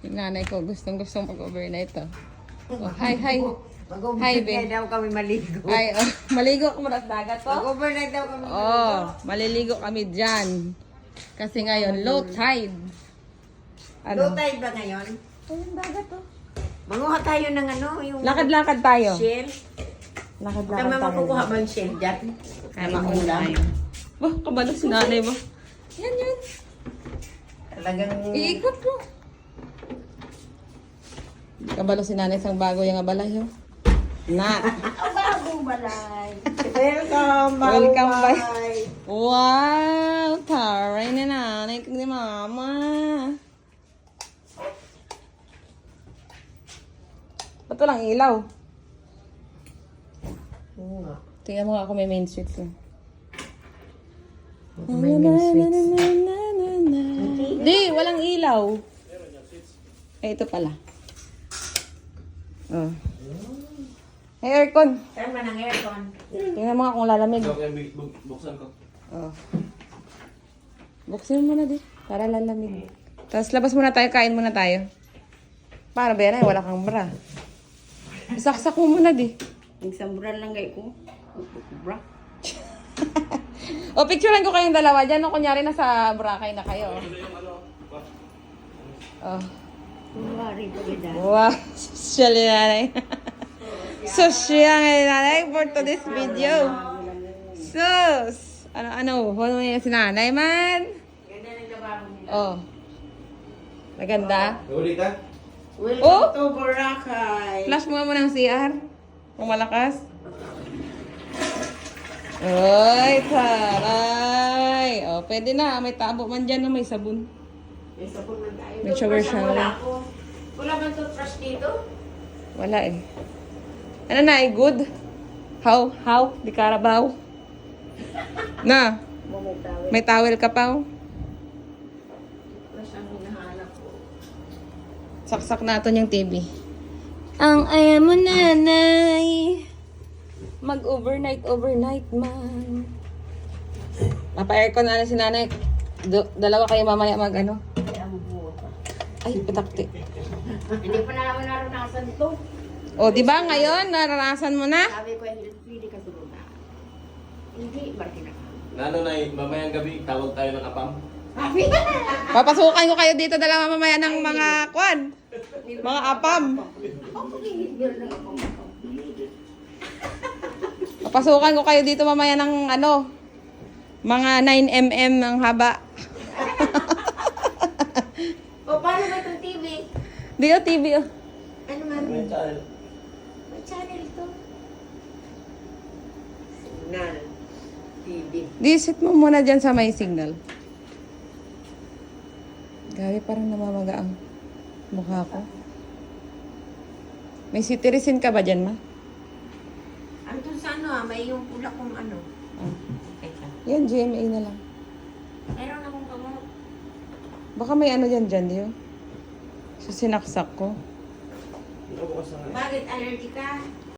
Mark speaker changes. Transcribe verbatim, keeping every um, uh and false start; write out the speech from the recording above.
Speaker 1: Yung nanay ko, gustong gustong mag-overnight to. Oh, hi, hi. Hi,
Speaker 2: Mag-overnight
Speaker 1: babe.
Speaker 2: daw kami maligo.
Speaker 1: Hi, oh, maligo ko muna sa dagat to.
Speaker 2: Mag-overnight daw kami maligo.
Speaker 1: Oh, maliligo kami dyan. Kasi ngayon, low tide.
Speaker 2: Low tide ba ngayon?
Speaker 1: Ayun, dagat to.
Speaker 2: Manguha tayo ng ano, yung
Speaker 1: Lakad-lakad tayo.
Speaker 2: shell.
Speaker 1: Lakad-lakad
Speaker 2: Tama
Speaker 1: tayo.
Speaker 2: makukuha ba yung shell dyan?
Speaker 1: Kaya makuha tayo. Bah, kabalo si nanay ba? Yan, yan.
Speaker 2: Talagang...
Speaker 1: Iikot mo. Kabalo si nanay sang bago yung abalay, oh. Na.
Speaker 2: Bagong balay. Welcome,
Speaker 1: Welcome,
Speaker 2: bye.
Speaker 1: bye. Wow! Taray na nanay ko ni mama. Ba't walang ilaw?
Speaker 2: Oo nga.
Speaker 1: Tingnan mo nga ako may main switch lang.
Speaker 2: May main switch.
Speaker 1: Di, walang ilaw. Eh, ito pala. Oh. Hey, aircon.
Speaker 2: Saan man ang aircon?
Speaker 1: Tingnan mo nga kung lalamig.
Speaker 3: Buksan ko.
Speaker 1: Oh. Buksin mo muna di. Para lalamig. Tapos labas muna tayo, kain muna tayo. Para ba yan ay wala kang bra. Isaksak mo muna di.
Speaker 2: Nagsamburan lang gay ko. Bra.
Speaker 1: O, picturean ko kayong dalawa dyan. O, kunyari nasa Boracay na kayo. Oh.
Speaker 2: Kumari pa ganda.
Speaker 1: Wow. Social ni nanay. Social ni nanay for today's video. Sus! Ano, ano? Ano yung si nanay man?
Speaker 2: Ganda ng lababo nila.
Speaker 1: Oh. Maganda.
Speaker 3: Nahuli ka?
Speaker 2: Welcome
Speaker 1: Oh!
Speaker 2: to Boracay.
Speaker 1: Flash mo nga muna ng C R. Kung malakas. Ay, taray. Oh, pwede na. May tabo man dyan na may sabon.
Speaker 2: May sabon man tayo.
Speaker 1: May shower
Speaker 2: Toothbrush ang
Speaker 1: shower.
Speaker 2: Wala ako. Wala bang toothbrush dito?
Speaker 1: Wala eh. Ano na eh, good? How? How? Di karabaw? Na,
Speaker 2: May tawel.
Speaker 1: may towel ka pa oh.
Speaker 2: Toothbrush ang hinahanap ko.
Speaker 1: Saksak natin yung T V. Ang ayaw mo nanay. Mag-overnight, overnight man. Papa-aircon na si nanay. Do- dalawa kayo mamaya mag ano.
Speaker 2: Kaya ang buo pa.
Speaker 1: Ay, pitakti.
Speaker 2: Hindi pa na naman naranasan ito.
Speaker 1: O, di ba ngayon, naranasan mo na?
Speaker 2: Sabi ko, hindi pwede ka sunod na. Hindi, bakit na ka?
Speaker 3: Nano na mamayang gabi, tawag tayo ng apam.
Speaker 2: Sabi!
Speaker 1: Papasukan ko kayo dito dalawa mamaya ng mga kwan. Mga apam. Papasukan ko kayo dito mamaya ng ano, mga nine millimeter ang haba.
Speaker 2: O, paano ba itong T V?
Speaker 1: Di o, T V o.
Speaker 2: Ano man?
Speaker 3: May channel.
Speaker 2: May channel to. Signal. T V.
Speaker 1: Di, sit mo muna dyan sa may signal. Gabi, parang namamaga ang mukha ko. May citizen ka ba dyan, ma?
Speaker 2: Andun sa ano ah, may yung pula kong ano.
Speaker 1: Ah.
Speaker 2: Teka.
Speaker 1: Yan, G M A na lang.
Speaker 2: Meron akong kamot.
Speaker 1: Baka may ano dyan dyan, di o? So, sinaksak ko.
Speaker 3: Ikaw bukas na nga.
Speaker 2: Bakit allergy ka?